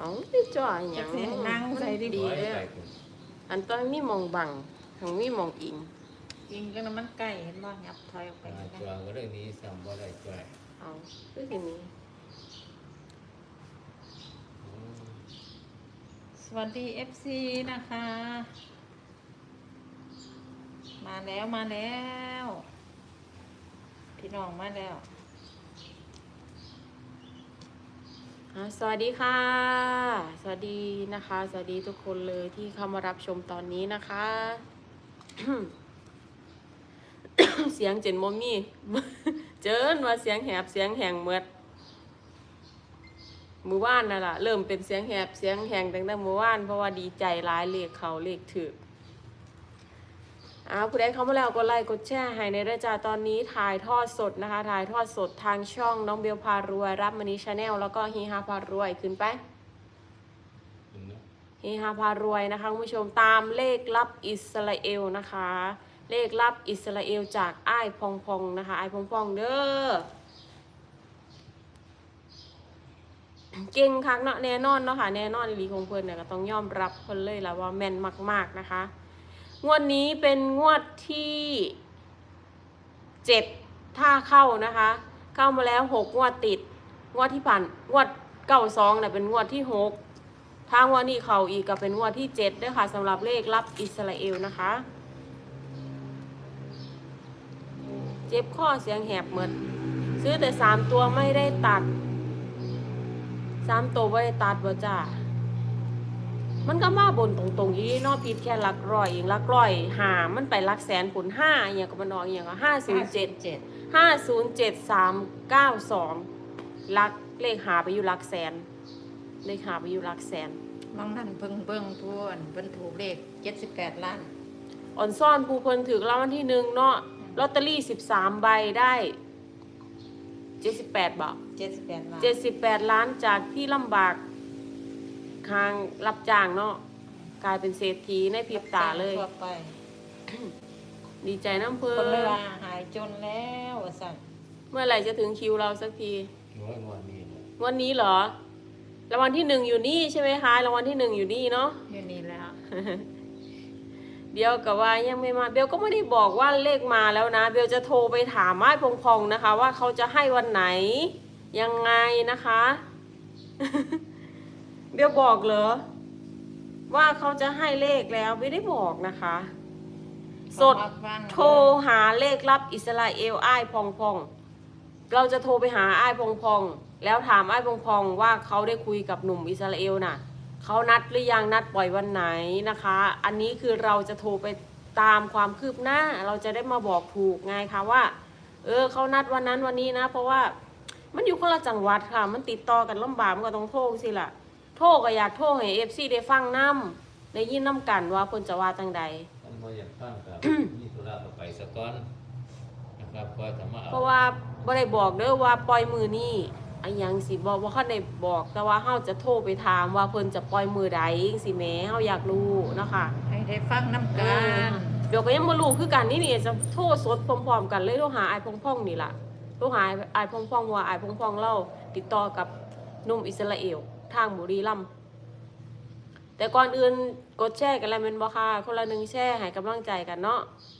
เอาไม่จ่อยหยังจักสินั่งใส่ดีดีเด้ออันต้องมีมองบังทั้งมีมองอิงจริงก็น้ำมันไก่เห็นบ่ยับถอยออกไปจวงก็เรื่องนี้ซ้ำบ่ได้จ่วยเอาคือสินี้สวัสดี FC นะคะ มาแล้วมาแล้วพี่น้องมาแล้วสวัสดีค่ะ สวัสดีนะคะ สวัสดีทุกคนเลยที่เข้ามารับชมตอนนี้นะคะ เสียงเจนโมมี่ เจินว่าเสียงแหบเสียงแหงเมือดมือว่านนั่นล่ะเริ่มเป็นเสียงแหบเสียงแหงตั้งแต่มือว่านเพราะว่าดีใจร้ายเลขเขาเลขถือผู้ใดเข้ามาแล้วกดไลค์กดแชร์ให้ในเรื่องจ้าตอนนี้ถ่ายทอดสดนะคะถ่ายทอดสดทางช่องน้องเบลพารวยรับมณีชาแนลแล้วก็ฮีฮาพารวยขึ้นไปฮีฮาพารวยนะคะคุณผู้ชมตามเลขลับอิสราเอลนะคะเลขลับอิสราเอลจากอ้ายพองพองนะคะอ้ายพองพองเด้อเก่งคักเนาะแน่นอนเนาะค่ะแน่นอนอีหลีของเพิ่นเนี่ยก็ต้องยอมรับเพิ่นเลยล่ะว่าแม่นมากๆนะคะงวดนี้เป็นงวดที่7ถ้าเข้านะคะเข้ามาแล้ว6งวดติดงวดที่ผ่านงวด92เนี่ยเป็นงวดที่6ถ้างวดนี้เข้าอีกก็เป็นงวดที่7ด้วยค่ะสำหรับเลขลับอิสราเอลนะคะเจ็บข้อเสียงแหบเหมือนซื้อแต่3ตัวไม่ได้ตัด3ตัวไม่ได้ตัดบ่จ้ามันก็มาบนตรงๆอีนอกผิดแค่หลักร้อยเองหลักร้อยหามันไปหลักแสนผล5อย่างก็มันออกอย่างก็507 507392ลักเลขหาไปอยู่หลักแสนเลขหาไปอยู่หลักแสนมองนั่นเบิ่งทวนเพิ่นถูกเลข78 ล้านอ่อนซ่อนผู้เพิ่นถือรางวัลที่1เนาะลอตเตอรี่13ใบได้78บาท 78 ล้าน 78ล้านจากที่ลำบากทางรับจ้างเนาะกลายเป็นเศรษฐีในพริบตาเลยทั่วไปดีใจน้ำเพิ่คนเวนลาหายจนแล้วว่าซั่นเมื่อไหร่จะถึงคิวเราสักทีวันนี้วันนี้เหรอรางวัลที่1อยู่นี่ใช่ไหมคะรางวัลที่1อยู่นี่เนาะอยู่นี่แล้วเดี๋ยวกับว่ายังไม่มาเบลก็ไม่ได้บอกว่าเลขมาแล้วนะเบลจะโทรไปถามไอ้พองๆนะคะว่าเขาจะให้วันไหนยังไงนะคะ เบลบอกเหรอว่าเขาจะให้เลขแล้วไม่ได้บอกนะคะสดโทรหาเลขลับอิสราเอลไอ้พองๆเราจะโทรไปหาไอ้พองๆแล้วถามไอ้พองๆว่าเขาได้คุยกับหนุ่มอิสราเอลน่ะเขานัดหรือยังนัดปล่อยวันไหนนะคะอันนี้คือเราจะโทรไปตามความคืบหน้าเราจะได้มาบอกถูกไงคะว่าเขานัดวันนั้นวันนี้นะเพราะว่ามันอยู่คนละจังหวัดค่ะมันติดต่อกันลำบากมันก็ต้องโทรสิล่ะโทรก็อยากโทรให้ FC ได้ฟังน้ำได้ยินน้ำกันว่าเพิ่นจะว่าจังใดมันบ่อยากฟังกับ มีธุระก็ไปซะก่อนนะครับก็จะมาเอาเพราะว่าบ่ได้บอกเด้อว่าปล่อยมือนี่อันยังสิบอกว่าเขาได้บอกแต่ว่าเฮาจะโทรไปถามว่าเพิ่นจะปล่อยมือใดสิแหมเฮาอยากรู้นะคะให้ได้ฟังน้ำกันเดี๋ยวก็ยังบ่รู้คือกันนี่จะโทรสดพร้อมๆกันเลยโทรหาอ้ายพ่องๆนี่ล่ะโทรหาอ้ายพ่องๆว่าอ้ายพ่องๆเล่าติดต่อกับหนุ่มอิสราเอลทางบุรีรัมย์แต่ก่อนอื่นกดแชร์กันแล้วแม่นบ่ค่ะคนละ1แชร์ให้กำลังใจกันเนาะ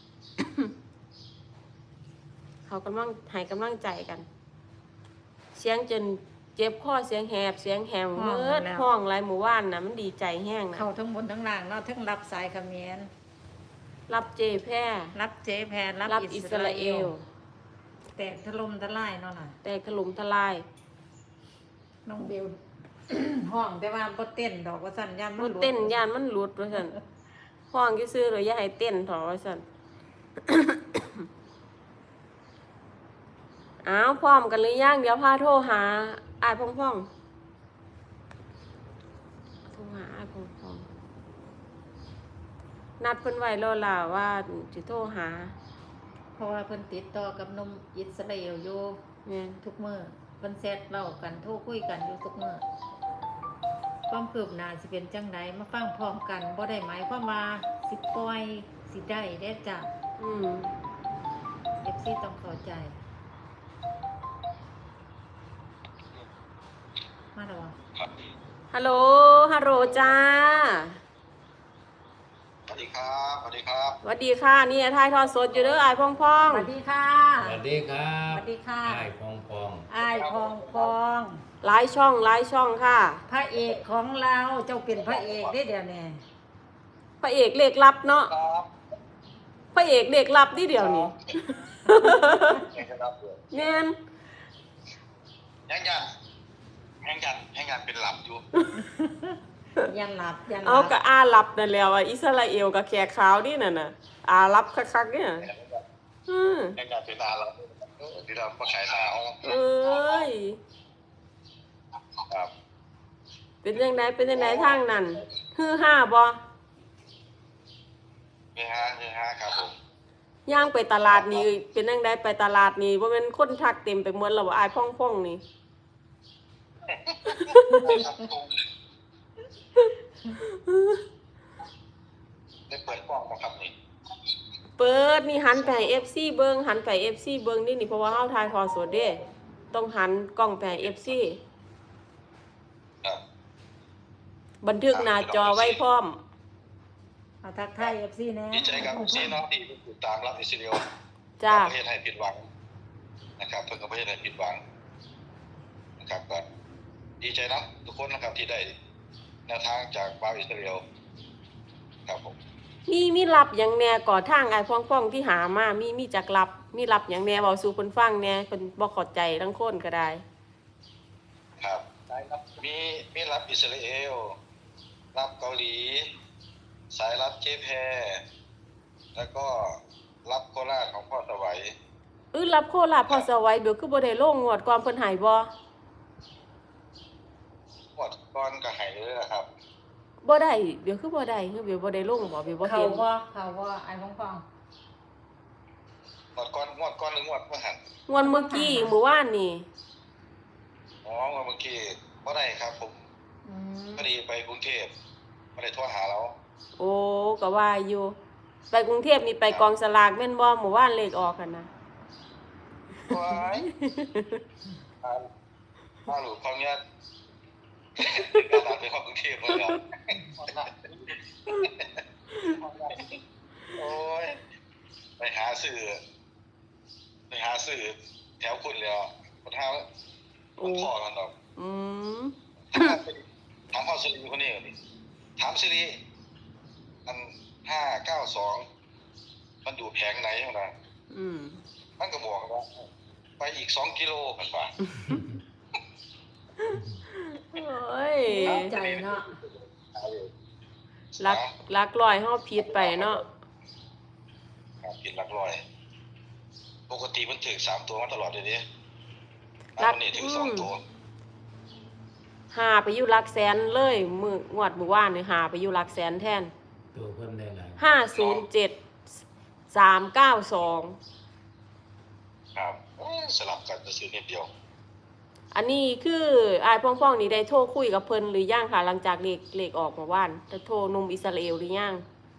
เขากำลังให้กำลังใจกัน เสียงจนเจ็บคอเสียงแหบเสียงแหงเมิดห้องไรหมู่บ้านนะมันดีใจแห้งนะเข้าทั้งบนทั้งล่างเนาะทั้งรับสายเขมรรับเจแพร่รับเจแพนรับอิสราเอลแตกถล่มทลายเนาะล่ะแต่ถล่มทลายน้องเบล ห้องแต่ว่าบ่เต้นดอกว่าสั่นยันมันเต้นย่านมันหลุดว่าซั่นห้องซื่อๆเลยอย่าให้เต้นเถอะว่าซั่น อ้าวพร้อมกันหรือยังเดี๋ยวพาโทรหาอ้ายพ่องๆโทรหาอ้ายพ่องๆนัดเพิ่นไว้แล้วล่ะว่าสิโทรหาเพราะว่าเพิ่นติดต่อกับหนมอิสราเอลอยู่แม่นทุกมื้อเพิ่นแชทเล่ากันโทรคุยกันอยู่ทุกมื้อความคืบหน้าสิเป็นจังไดมาฟังพร้อมกันบ่ได้หมายความว่าสิปล่อยสิได้เด้จ้ะอืม FC ต้องเข้าใจมาแล้วบ่ฮัลโหลฮัลโหลจ้าสวัสดีครับสวัสดีครับสวัสดีค่ะนี่ถ่ายทอดสดอยู่เด้ออายพ่องสวัสดีค่ะสวัสดีครับสวัสดีค่ะไอ้พองพองอ้ายพองพองๆหลายช่องค่ะพระเอกของเราเจ้าเป็นพระเอกได้เดี๋ยวนี้พระเอกเลขลับเนาะครับพระเอกเลขลับนี่เดียวนี่แห่งครับแม่นแห่งยันเป็นหลับอยู่ยันหลับยันหเอาลับก็อาหรับนั่นแล้วอ่ะอิสราเอลกับแขกขาวนี่น่ะน่ะอาหรับคักๆเนี่ยอือแห่งยันเป็นอาหลับที่เราประขายหนาวเอ้ยครับเป็นจังไดทางนั้นฮือฮาบ่เฮ้ฮาครับผมย่างไปตลาดนี่เป็นจังไดไปตลาดนี่บ่แม่นคนทักเต็มไปหมดแล้วบ่อายพ่องๆนี่ได้เปิดกล้องมาครับนี่เปิดนี่หันไปให้ FC เบิ่งหันไป FC เบิ่งนี่เพราะว่าเฮาถ่ายทอดสดเด้ต้องหันกล้องไปให้ FC ครับบันทึกหน้าจอไว้พร้อมเอาทักทายเอฟซีนะดีใจกับซีน้องที่ติดตามรับอิสราเอลจ้าประเทศไทยผิดหวังนะครับเพิ่งกับประเทศไทยผิดหวังนะครับก็ดีใจนะทุกคนนะครับที่ได้แนวทางจากบาวอิสราเอลครับผมมีรับหยังแหน่ก่อทางไอ้พ่องๆที่หามามีจักรับมีรับหยังแหน่เว้าสู่เพิ่นฟังแหน่เพิ่นบ่เข้าใจทั้งคนก็ได้ครับมีรับอิสราเอลรับเกาหลี สายรับเจแพแล้วก็รับโคราชของพ่อสวัยรับโคราชพอสวัยเดี๋ยวคือบ่ได้ลงงวดก่อนเพิ่นให้บ่หมดก้อนกระหายเลยนะครับบ่ได้เดี๋ยวคือบ่ได้คือเดี๋ยวบ่ได้ลงบ่เดี๋ยวบ่เขาเห็นว่าไอ้พองพองหมดก้อนหรืองวดเมื่อหันงวดเมื่อกี้เมื่อวานนี่อ๋อเมื่อกี้บ่ได้ครับผมอืมพอดีไปกรุงเทพไม่ได้โทรหาเราโอ้ก็ว่าอยู่ ไปกรุงเทพนี่ไปกองสลากแม่นบ่เมื่อวานเลขออกกันนะว้ายมาหลูกความเนี้ยการตามไปเข้ากรุงเทพเลยครับโอ้ยไปหาสื่อแถวคุณเลยอ่ะคนท้าคนพ่อกันดอกอืมถามพ่อสิริคนนี้ก่อนดิถามสิริอัน592มันอยู่แผงไหนของมันอืมมันก็บอกว่าไปอีก2 กิโลกันป่ะโอ้ยใจเนาะลักลอยเฮาผิดไปเนาะครับกินหลักร้อย ปกติมันถึง3 ตัวมาตลอดเลยดิอันนี้ถึง2 ตัวหาไปอยู่หลักแสนเลยงวดเมื่อวานนี่หาไปอยู่หลักแสนแทนตัวเพิ่มได้หลาย 507392 ครับสลับกันจะซื้อนิดเดียวอันนี้คืออายพ่องๆนี่ได้โทรคุยกับเพิ่นหรือยังค่ะหลังจากเลขออกเมื่อวานจะโทรหนุ่มอิสราเอลหรือยัง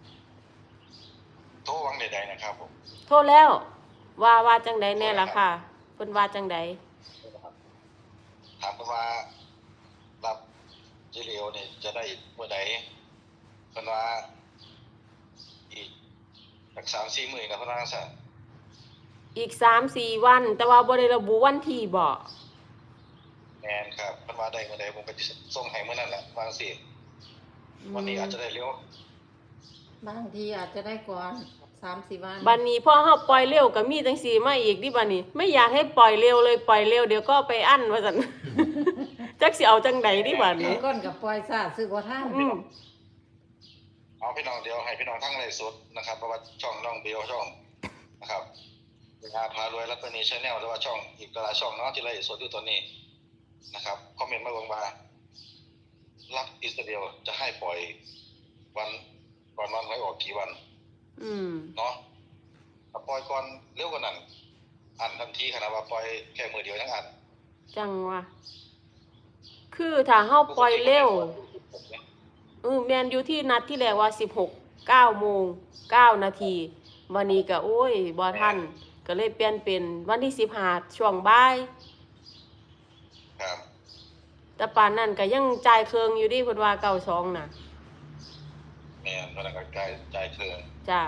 โทรวังใดๆนะครับผมโทรแล้วว่าจังใดแน่ล่ะค่ะเพิ่นว่าจังใดถามกันว่ารับจิเลียวเนี่ยจะได้เมื่อใดเพิ่นว่าอีกจาก 3-4 มื้อนะเพิ่นว่าซั่นอีก 3-4 วัน แต่ว่าบ่ได้ระบุวันที่บ่แม่นครับเพิ่นว่าได้เมื่อใดผมก็สิส่งให้มื้อนั้นแหละว่าจังซี่วันนี้อาจจะได้เร็วบางทีอาจจะได้ก่อน3-4 วันบัดนี้พอเฮาปล่อยเร็วก็มีจังซี่มาอีกดิบัดนี้ ไม่อยากให้ปล่อยเร็วเลยปล่อยเร็วเดี๋ยวก็ไปอั้นว่าซั่น จักสิเอาจังใดดิบัดนี้ก้นกับปล่อยซาซื้อบ่ทันอืมเอาพี่น้องเดียวให้พี่น้องทั้งไลฟ์สดนะครับเพราะว่าช่องน้องเบลช่องนะครับงานพารวยและตัวนี้ Channel หรือว่าช่องอีกหลายช่องเนาะที่ไลฟ์สดอยู่ตอนนี้นะครับคอมเมนต์มาบอกว่ารับอิสราเอลจะให้ปล่อยวันก่อนวันหวยออกกี่วันอืมเนาะถ้าปล่อยก่อนเร็วกว่านั้นอันทันทีขนาดว่าปล่อยแค่มือเดียวทั้งอันจังว่าคือถ้าเฮาปล่อยเร็วแม่นอยู่ที่นัดที่แรกว่า16 9โมง9นาทีวันนี้ก็โอ้ยบ่ทันก็เลยเปลี่ยนเป็นวันที่15ช่วงบ่ายครับแต่ป่านนั้นก็ยังจ่ายเครื่องอยู่ดิเพิ่นว่า92น่ะแม่นพนักงานจ่ายเครื่องจ้า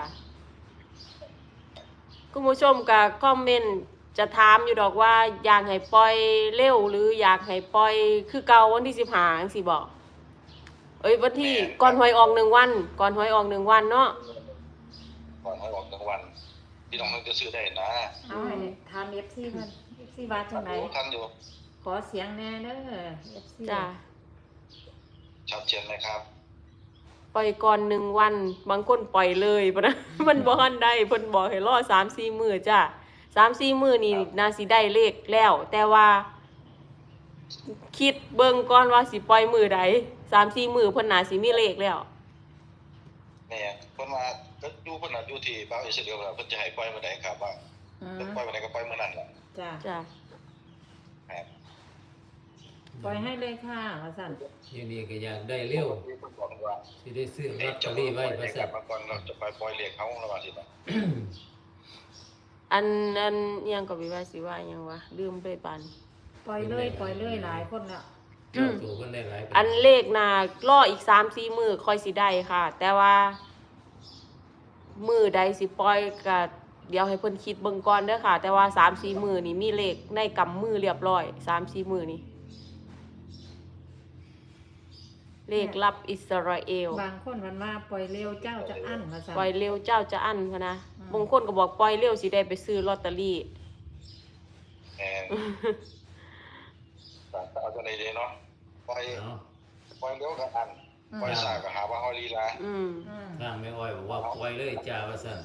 คุณผู้ชมก็คอมเมนต์จะถามอยู่ดอกว่าอยากให้ปล่อยเร็วหรืออยากให้ปล่อยคือเก่าวันที่15จังซี่บ่เอ้ยวันที่ก่อนหวยออก1วันก่อนหวยออก1วันเนาะก่อนให้ออกรางวัลพี่น้องมันจะซื้อได้นะเอาให้ถาม FC เพิ่น FC ว่าจังได๋ทันอยู่ขอเสียงแน่เด้อ FC จ้าชัดเจนไหมครับปล่อยก่อน1วันบางคนปล่อยเลยปะนะ มันบ่ทันได้เพิ่นบอกให้รอ3-4 มื้อจ้า3-4 มื้อนี่น่าสิได้เลขแล้ว แต่ว่า คิดเบิ่งก่อนว่าสิปล่อยมื้อใด3-4 มื้อเพิ่นน่าสิมีเลขแล้วแม่เพิ่นว่าก็อยู่เพิ่นน่ะอยู่ที่บ้านอิสราเอลแล้วเพิ่นจะให้ปล่อยมื้อใดครับว่าอืมเพิ่นปล่อยมื้อใดก็ปล่อยมื้อนั้นแหละจ้าจ้าครับปล่อยให้เลยค่ะว่าซั่นอยู่นี่ก็อยากได้เร็วเพิ่นบอกว่าสิได้ซื้อลเอ๊ะอตเตจะอรีรี่บไว้ไว้ว่าว่าซั่ซั่นนมาก่อนเราจะไปปล่อยเลขเขาแล้วว่าสิบ่อันอิหยังก็วิว่าสิว่าอิหยังวะลืมไปปานปล่อยเลยหลายคนแล้วเจ้าตัวเพิ่นได้หลายอันเลขน่ะรออีก3-4 มื้อค่อยสิได้ค่ะ แต่ว่า มื้อใดสิปล่อยก็เดี๋ยวให้เพิ่นคิดเบิ่งก่อนเด้อค่ะ แต่ว่า3-4 มื้อนี่มีเลขในกำมือเรียบร้อย3-4 มื้อนี่เลขลับอิสราเอลบางคนมันว่าปล่อยเร็วเจ้าจะอั้นว่าซั่นปล่อยเร็วเจ้าจะอั้นพะนะอืมบางคนก็บอกปล่อยเร็วสิได้ไปซื้อลอตเตอรี่แม่นแต่เอาจังได๋เด้เนาะปล่อยเนาะปล่อยเร็วก็อันปล่อยช้าก็หาว่าเฮาลีลาอืมอืมทางแม่อ้อยบอกว่าปล่อยเลยจ้าว่าซั่น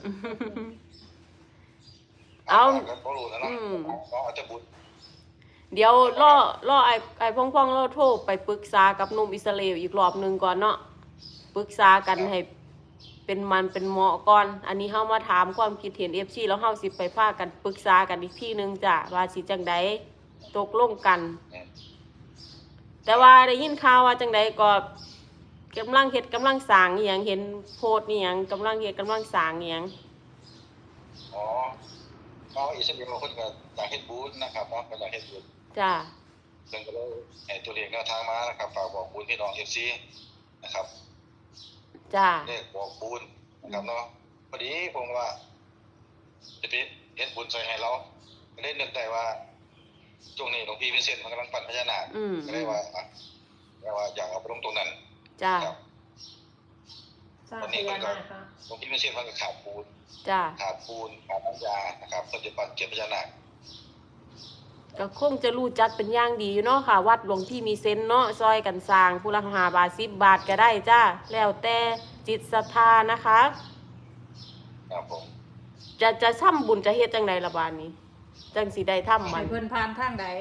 เอาก็บ่รู้นะเนาะอืมเขาอาจจะบุญเดี๋ยวล่อไอ้พ่องๆเราโทรไปปรึกษากับหนุ่มอิสราเอลอีกรอบหนึงก่อนเนาะปรึกษากันให้เป็นมันเป็นเหมาะก่อน อันนี้เฮามาถามความคิดเห็น FC แล้วเฮาสิไปพากันปรึกษากันอีกทีหนึงจ้ะว่าสิจังใดตกลงกัน แต่ว่าได้ยินข่าวว่าจังใดก็กำลังเฮ็ดกำลังสร้างอีหยังเห็นโพสต์อีหยังกำลังเฮ็ดกำลังสร้างอีหยังอ๋อเขาอิสราเอลเพิ่นก็อยากเฮ็ดบุญนะครับเนาะก็อยากเฮ็ดบุญจ้ะเพิ่นก็เลยให้ตัวเลขแนวทางมานะครับฝากบอกบุญพี่น้อง FC นะครับจ้ะเลขบอกบุญนะครับเนาะพอดีผมว่าจะไปเฮ็ดบุญใส่ให้เราก็เลยนึกได้ว่าช่วงนี้หลวงพี่พิเศษมันกำลังปั่นพญานาคอืมก็เลยว่าอยากเอาไปลงตรงนั้นจ้ะครับสร้างพญานาคค่ะหลวงพี่พิเศษมันก็ขาดปูนจ้ะขาดปูนขาดน้ำยานะครับเพิ่นจะปั่นเก็บพญานาคก็คงจะรู้จักเป็นอย่างดีอยู่เนาะค่ะ วัดหลวงพี่มีเซนเนาะซอยกันสร้างผู้ละ5 บาท10 บาทก็ได้จ้าแล้วแต่จิตศรัทธานะคะครับผมจะทำบุญจะเฮ็ดจังไดล่ะบาดนี้ จังสิได้ทำมัให้นเพิ่นผ่านทางใด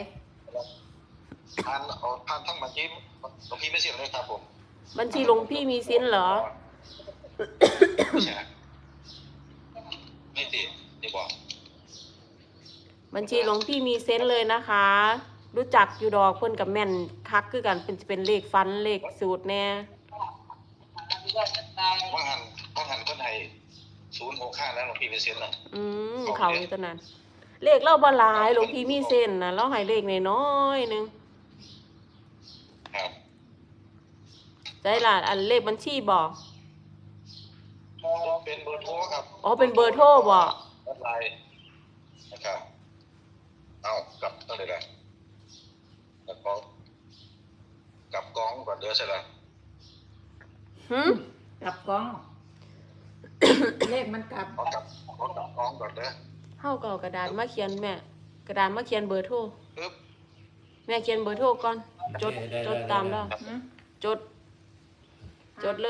ผ่านทั้งบัญชีหลวงพี่พิเศษเลยครับผมบัญชีหลวงพี่มีสินเหรอไม่ใช่ไม่ติดดีกว่าบัญชีหลวงพี่มีเซนเลยนะคะ รู้จักอยู่ดอกเพิ่นกับแม่นคักคือกันเป็นเลขฟันเลขสูตรแน่ว่างหันคนไทย065แล้วหลวงพี่พิเศษน่ะเขาอยู่ตอนนั้น เลขเราบ่หลายหลวงพี่มีเส้นนะเราให้เลขน้อยๆนึงครับได้ล่ะอันเลขบัญชีบ่เป็นเบอร์โทรครับอ๋อเป็นเบอร์โทรบ่ออนไลน์นะครับเอากลับตั้งเลยนะแล้วก็กลับกองก่อนเด้อใช่ไหมหึกลับกล้อง เลขมันกลับเอากลับกองก่อนเด้อเฮาก็เอากระดาษมาเขียนแม่ กระดาษมาเขียนเบอร์โทรปึ๊บแม่เขียนเบอร์โทรก่อนจดตามแล้วหืมจดเลย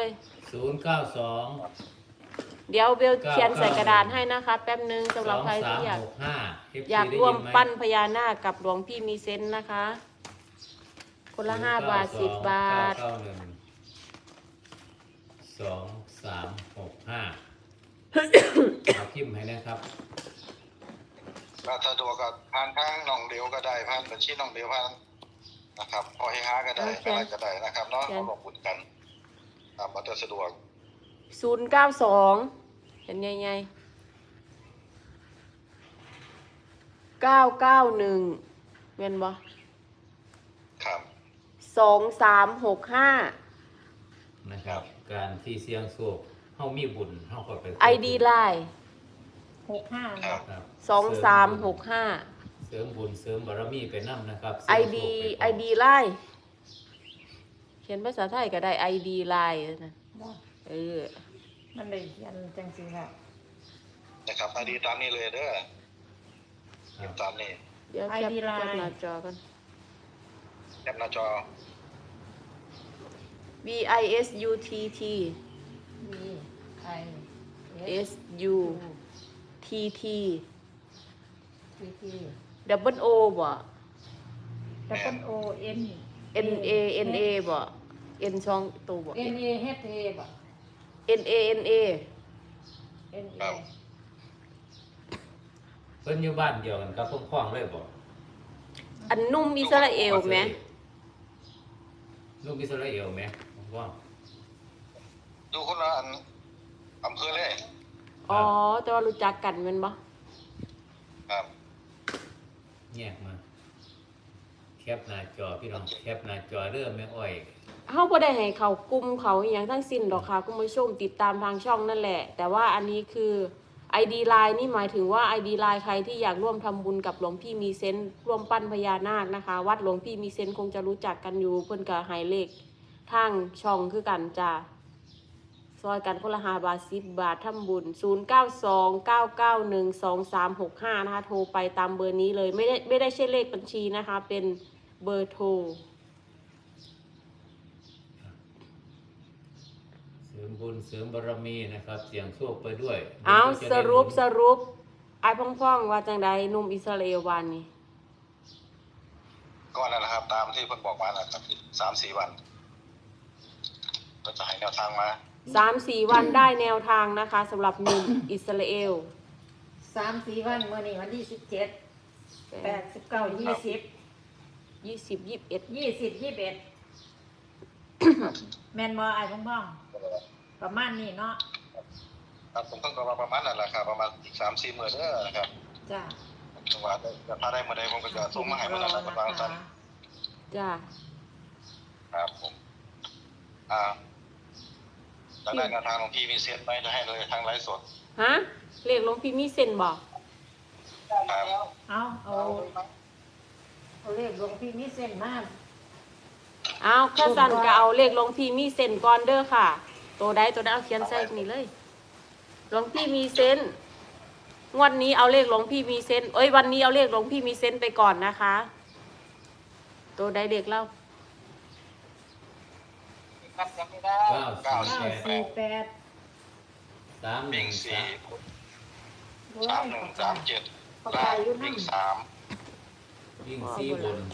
092 เดี๋ยวเบลเขียนใส่กระดาษให้นะคะ แป๊บนึงสำหรับใครที่ 2365 อยากร่วมปั้นพญานาคกับหลวงพี่มีเซนส์นะคะ คนละ5 บาท10 บาท 2365เอาพิมพ์ให้นะครับถ้าสะดวกก็ผ่านทางน้องเดียวก็ได้ผ่านบัญชีน้องเดียวผ่านนะครับพอให้หาก็ได้โอเคอะไรก็ได้นะครับเนาะโอเคเอาบอกบุญกันตามมาแต่สะดวก 092เห็นใหญ่ๆ991แม่นบ่ครับ 2365 นะครับ การที่เสี่ยงโชคเฮามีบุญเฮาก็ไป ID Line 65 ครับครับ 2365 เสริมบุญเสริมบารมีไปนํนะครับ ID ID Line เขียนภาษาไทยก็ได้ ID Line นะเออมันได้เขียนจังซี่ค่ะนะครับอดีตามนี้เลยเด้อครับตามนี้เดี๋ยวแคป ID Line แคปหน้าจอกันแคปหน้าจอ VISUTT V I S SUTT T T Double O บ่ Double O N NA บ่ N ช่องตัวบ่ N A H A บ่ NA N A เพิ่นอยู่บ้านเดียวกันกับพวกพ้องเลยบ่อันนุ่มอิสราเอลไหมลูกอิสราเอลไหมว่าดูคนละอำเภอเลยอ๋อ แต่ว่ารู้จักกันแม่นบ่ครับแยกมา แคปหน้าจอพี่น้องแคปหน้าจอเริ่มแม่อ้อยเฮาบ่ได้ให้เขากลุ่มเขาอหย่างทั้งสิ้นดอกค่ะคุณผู้ชมติดตามทางช่องนั่นแหละ แต่ว่าอันนี้คือ ID Line นี่หมายถึงว่า ID Line ใครที่อยากร่วมทำบุญกับหลวงพี่มีเซนส์ร่วมปั้นพญานาคนะคะ วัดหลวงพี่มีเซนส์คงจะรู้จักกันอยู่เพิ่นก็ให้เลขทางช่องคือกันจ้าซอยกันคนละ5 บาท 10 บาททำบุญ 0929912365 นะคะโทรไปตามเบอร์นี้เลยไม่ได้ใช่เลขบัญชีนะคะ เป็นเบอร์โทรเสริมบุญเสริมบารมีนะครับ เสียงโชคไปด้วยเอาจะสได้รุปบุญสรุปไอ้พ่องๆว่าจังใดหนุ่มอิสราเอลวันนี้ก็นั่นแหละครับ ตามที่เพิ่นบอกมานะครับ3-4 วัน ก็จะให้แนวทางมา 3-4 วันได้แนวทางนะคะสำหรับหนุ่มอิสราเอล 3-4 วันมื้อนี้วันที่17 8 19 20 20-21 แม่นบ่อ้ายพ่องๆประมาณนี้เนาะครับผมต้องก็ประมาณนั้นแหละครับประมาณอีก 3-4 มื้อเด้อนะครับจ้าจังหวะถ้าได้มื้อใดผมก็จะส่งมาให้มื้อนั้นแหละประมาณนั้นจ้าครับผมจะได้แนวทางของพี่มีเซ็ตไหมจะให้เลยทางไลฟ์สดฮะเลขหลวงพี่มีเส้นบอกครับเอาเลขหลวงพี่มีเส้นมาเอาข้าสันก็เอาเลขหลวงพี่มีเส้นก่อนเด้อค่ะ ตัวใดเอาเขียนใส่นี่เลยหลวงพี่มีเส้นงวดนี้เอาเลขหลวงพี่มีเส้นวันนี้เอาเลขหลวงพี่มีเส้นไปก่อนนะคะ ตัวใดเด็กเล่า 948 3 วิ่ง 1 4 โอ้ย 3-1-3-7ล่างวิ่ง3 วิ่ง4บน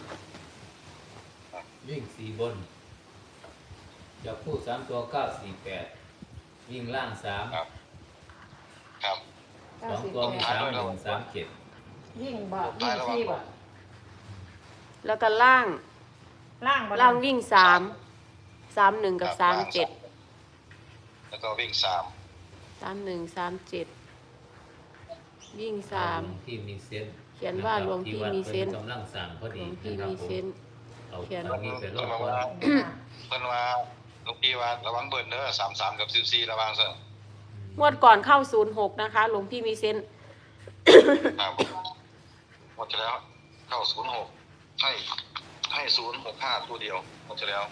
วิ่ง4บนจะพูด3ตัว948วิ่งล่างครับ ครับ 3 2ตัวมี3137 วิ่งบ่วิ่งสี่บ่แล้วก็ล่างล่างบ่ล่างวิ่ง3 1กับ37 แล้วก็วิ่ง3 31 37วิ่ง3 ที่มีเส้นเขียนว่าหลวงพี่มีเซนส์กำลังสั่งพอหลดีวงพี่นะครับมีผมเซนส์เอาเขียนตรงนี้ไปรอบก่อนเพิ่นว่าลูกพี่ว่าระวังเบิ่นเด้อ33กับ14ระวังซะงวดก่อนเข้า06นะคะหลวงพี่มีเซนส์ครับหมดแล้วเข้า06ให้065ตัวเดียวหมดแล้ว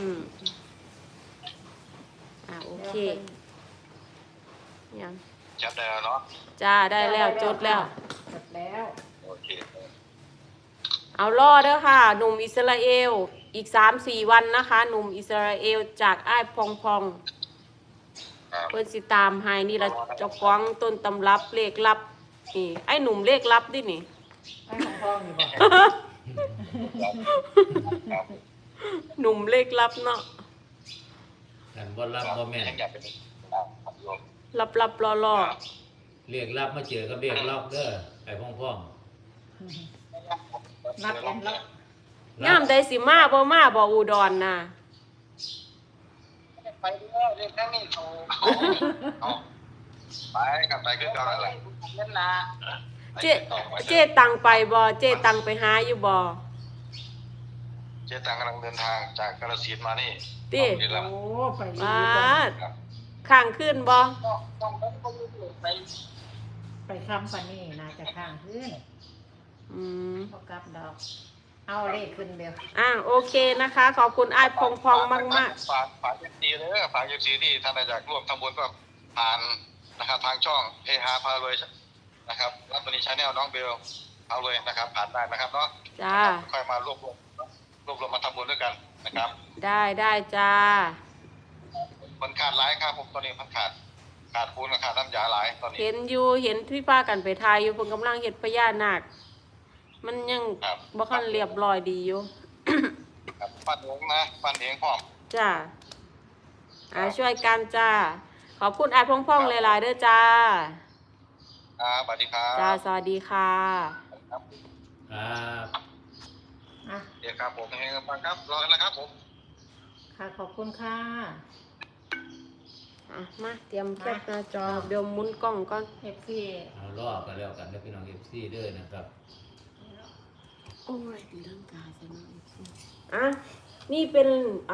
โอเคยังจับได้แล้วเนาะจ้าได้แล้วจดแล้วจดแล้วโอเคเอาล่อเด้อค่ะ หนุ่มอิสราเอลอีก 3-4 วันนะคะ หนุ่มอิสราเอลจากอ้ายพองครับเพิ่นสิตามให้นี่ละเจ้าของต้นตำรับเลขลับนี่ไอ้หนุ่มเลขลับดินี่ไอ้ของพ่อนี่บ่ครับหนุ่มเลขลับเนาะกันบ่รับบ่แม่นยังอยากเป็นโยมลับๆล่อเรียกรับมาเจอกับเรียกรับเด้อไอ้พ่องนัดกันแล้วๆงามใดสิมาบ่อุดรน่ะไปเด้อเรื่องแค่นี้เอาไปกับไปคือเก่านั่นแหละเล่นนะเจ๊ตังไปบ่เจ๊ตังไปหาอยู่บ่เจ๊ตังกำลังเดินทางจากกาฬสินธุ์มานี่ติบุรีรัมย์โอ้ไปดีบาจังดข้างขึ้นบ่ไปคำปานนี้น่าจะข้างขึ้นอืมพอกลับดอก เอาเลขขึ้นเดียวโอเคนะคะ ขอบคุณไอ้ายพองพองมากมากฝากFCเลยฝาก FC ที่ท่านอยากร่วมทำบุญก็ผ่านนะครับทางช่องเฮฮาพารวยนะครับรับวันนี้ชาแนลน้องเบลเอาเลยนะครับผ่านได้นะครับเนาะๆจ้าค่อยมารวบรวมมาทำบุญด้วยกันนะครับได้จ้ามันขาดหลายครับผมตอนนี้มันขาดคูณกับขาดน้ำยาหลายตอนนี้เห็นอยู่เห็นพี่ป้ากันไปทายอยู่เพิ่นกำลังเฮ็ดพญานาคมันยังครับบ่คันเรียบร้อยดีอยู่ครับปั้นเองนะปั้นเองพร้อมจ้าช่วยกันจ้า ขอบคุณไอ้ายพองพองหลายๆเด้อจ้าครับสวัสดีครับจ้า สวัสดีค่ะครับครับอ่ะเดี๋ยวครับผมเฮงๆฟังครับรอกันนะครับผมค่ะขอบคุณค่ะมาเตรียมแคปหน้าจอเดี๋ยวหมุนกล้องก่อนเอฟซีเอารอกันแล้วกันนะพี่น้องFC เด้อนะครับโอ้ยตีร่างกายซะหน่อยนี่เป็น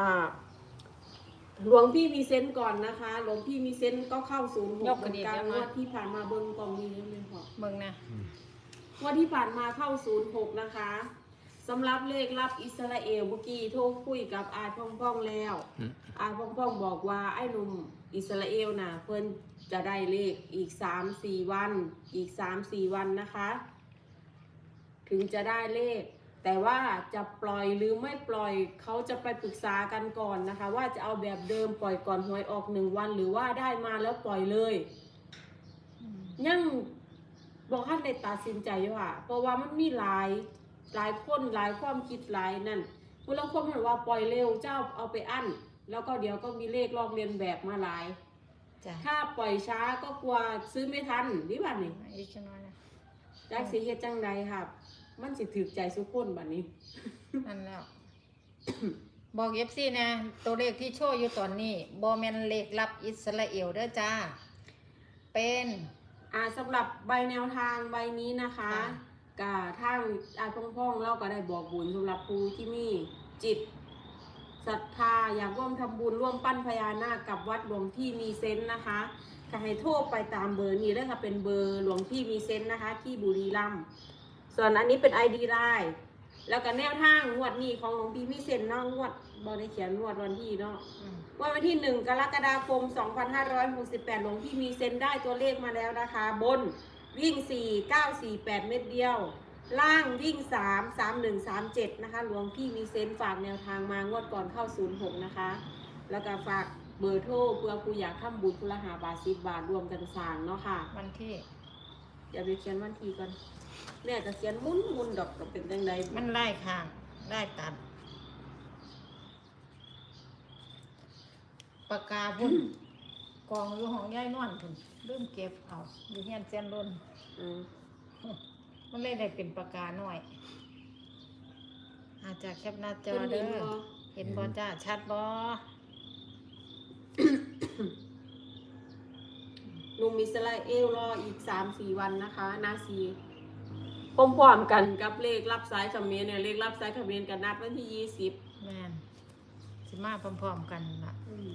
หลวงพี่มีเซนต์ก่อนนะคะ หลวงพี่มีเซนต์ก็เข้า06เหมือนกันงวดที่ผ่านมาเบิ่งกล่องนี้เลยค่ะเบิ่งนะงวดที่ผ่านมาเข้า06นะคะสำหรับเลขรับอิสราเอลเมื่อกี้โทรคุยกับอาพ่องๆแล้วอาพ่องๆบอกว่าไอ้หนุ่มอิสราเอลน่ะเพิ่นจะได้เลขอีก3-4 วันอีก3-4 วันนะคะ ถึงจะได้เลข แต่ว่าจะปล่อยหรือไม่ปล่อยเขาจะไปปรึกษากันก่อนนะคะ ว่าจะเอาแบบเดิมปล่อยก่อนหวยออก1 วันหรือว่าได้มาแล้วปล่อยเลย ยังบอกท่านได้ตัดสินใจอยู่ค่ะเพราะว่ามันมีหลายคนหลายความคิดหลายนั่นผู้ลางคนบอกว่าปล่อยเร็วเจ้าเอาไปอั้นแล้วก็เดี๋ยวก็มีเลขลอกเลียนแบบมาหลายจ้ะถ้าปล่อยช้าก็กลัวซื้อไม่ทันนี่บัดนี้อีกจังน้อยนะจักสิเฮ็ดจังใดครับ มันสิถูกใจทุกคนบัดนี้นั่นแล้ว บอกเอฟซีนะตัวเลขที่โชว์อยู่ตอนนี้บอแมนเลขรับอิสราเอลเด้อจ้า เป็นสำหรับใบแนวทางใบนี้นะคะกะทางพ่องๆเราก็ได้บอกบุญสำหรับผู้ที่มีจิตศรัทธาอยากร่วมทำบุญร่วมปั้นพญานาคกับวัดหลวงพี่มีเซนต์นะคะก็ให้โทรไปตามเบอร์นี้เลยค่ะเป็นเบอร์หลวงพี่มีเซนต์นะคะ ที่บุรีรัมย์ส่วนอันนี้เป็น ID ไลน์แล้วก็แนวทางงวดนี้ของหลวงพี่มีเซนต์เนาะงวดบอได้เขียนงวดวันที่เนาะ วันที่ 1 กรกฎาคม 2568 หลวงพี่มีเซนได้ตัวเลขมาแล้วนะคะ บนวิ่ง 4 9 4 8 เม็ดเดียว ล่างวิ่ง 3 3 1 3 7 นะคะ หลวงพี่มีเซนฝากแนวทางมางวดก่อนเข้า 06 นะคะ แล้วก็ฝากเบอร์โทรเพื่อผู้อยากทำบุญพุละ5 บาท 10 บาทรวมกันสร้างเนาะค่ะวันที่เดี๋ยวไปเขียนวันที่ก่อนเนี่ยจะเขียนมุนดอกกับเป็นจังไดมันไล่ข้างไล่ตัด ปากกาพุ่น กองอยู่ของยายนวลพุ่นลืมเก็บเอาอยู่เฮียนเซียนรุ่นอืมมันเลยได้เป็นปากกาหน่อย อาจจะแคปหน้าจอเพิ่นเด้เห็นอบ่เห็นบอจ้าชัดบอหนุ่มอิสราเอลรออีก 3-4 วันนะคะนาซีพร้อมๆกันกับเลขรับสายเขมรเนี่ยเลขรับสายเขมรกันนัดวันที่ 20 แม่นสิมาพร้อมๆกันล่ะ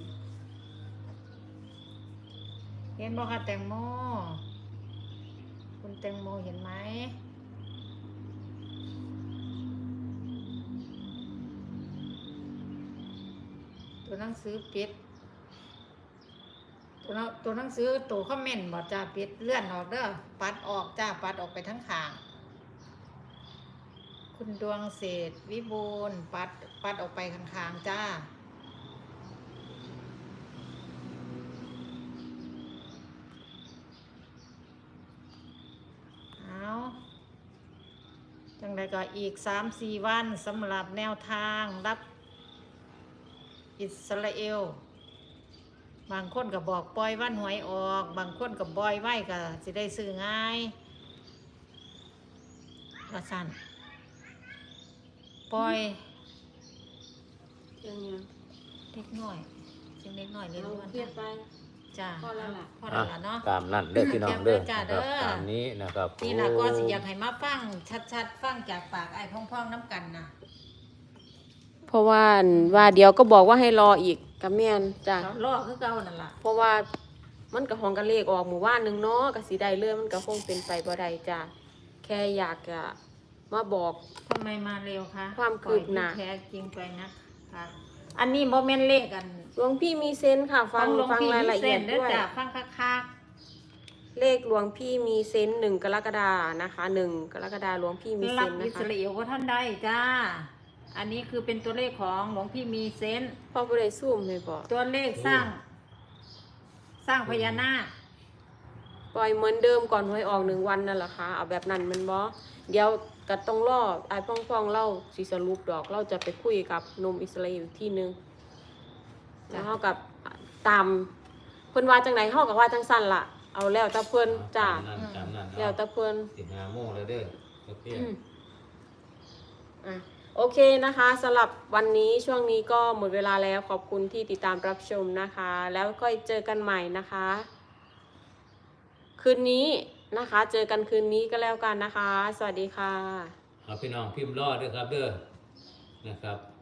เห็นบอกค่ะแตงโม คุณแตงโมเห็นไหม ตัวหนังสือปิด ตัวหนังสือตัวคอมเมนต์บอกจ้าปิดเลื่อนออกเด้อปัดออกจ้าปัดออกไปทั้งข้าง คุณดวงเศรษฐ์วิบูลย์ปัดออกไปข้างๆจ้า เอาจังใดก็อีก3-4 วันสำหรับแนวทางรับอิสราเอลบางคนก็บอกปล่อยวันหวยออกบางคนก็บอยไว้ก็สิได้ซื้อง่ายว่าสั่นปล่อยยังไงเล็กน้อยเสียงเล็กน้อยเล็กเราน้อยเครียดไปจ้าพอแล้วล่ะพอแล้วล่ะเนาะตามนั่นเด้อพี่น้องเด้อจ้านะเด้ครับอตามนี้นะครับนี่ล่ะก็สิอยากให้มาฟังชัดๆฟังจากปากไอ้พ่องๆน้ำกันนะเพราะว่าเดี๋ยวก็บอกว่าให้รออีกกับแม่นจ้ะเขาล่อคือเก่านั่นล่ะเพราะว่ามันก็ห้องกันเลขออกหมู่บ้านหนึงเนาะก็สิได้เรื่องมันก็คงเป็นไปบ่ได้จ้ะแค่อยากจะมาบอกทำไมมาเร็วคะความคืบหน้าปล่อยที่แท้จริงไปนะคะอันนี้โมเมนต์เลขกันหลวงพี่มีเซนส์ค่ะขฟัอง งหลวงฟังพี่รายมีละเส้เอียนดเด้อด้วยจ้ะฟังคักเลขหลวงพี่มีเซนส์1 กรกฎานะคะ1 กรกฎาหลวงพี่มีๆเซรับนส์อินะสคะราเอลว่าท่านได้จ้า อันนี้คือเป็นตัวเลขของหลวงพี่มีเซนส์พ่อบ่ได้ซูมให้บอกตัวเลขสร้างพญานาคปล่อยเหมือนเดิมก่อนหวยออก1 วันนั่นแหละค่ะเอาแบบนั้นแมันบ่เดี๋ยวก็ต้องรอไอ้พ่องๆเล่าสิสรุปดอกเราจะไปคุยกับหนุ่มอิสราเอลอีกที่นึงแล้วเฮากับตามเพิ่นว่าจังไดเฮาก็ว่าจังซั่นล่ะเอาแล้วแต่เพิ่นจ้าตามนั้นแล้วแต่เพิ่น 15โมงแล้วเด้อโอเคอ่ะโอเคนะคะสำหรับวันนี้ช่วงนี้ก็หมดเวลาแล้วขอบคุณที่ติดตามรับชมนะคะ แล้วก็เจอกันใหม่นะคะ คืนนี้นะคะ เจอกันคืนนี้ก็แล้วกันนะคะ สวัสดีค่ะเอาพี่น้องพิมพ์รอดด้วยครับเด้อนะครับ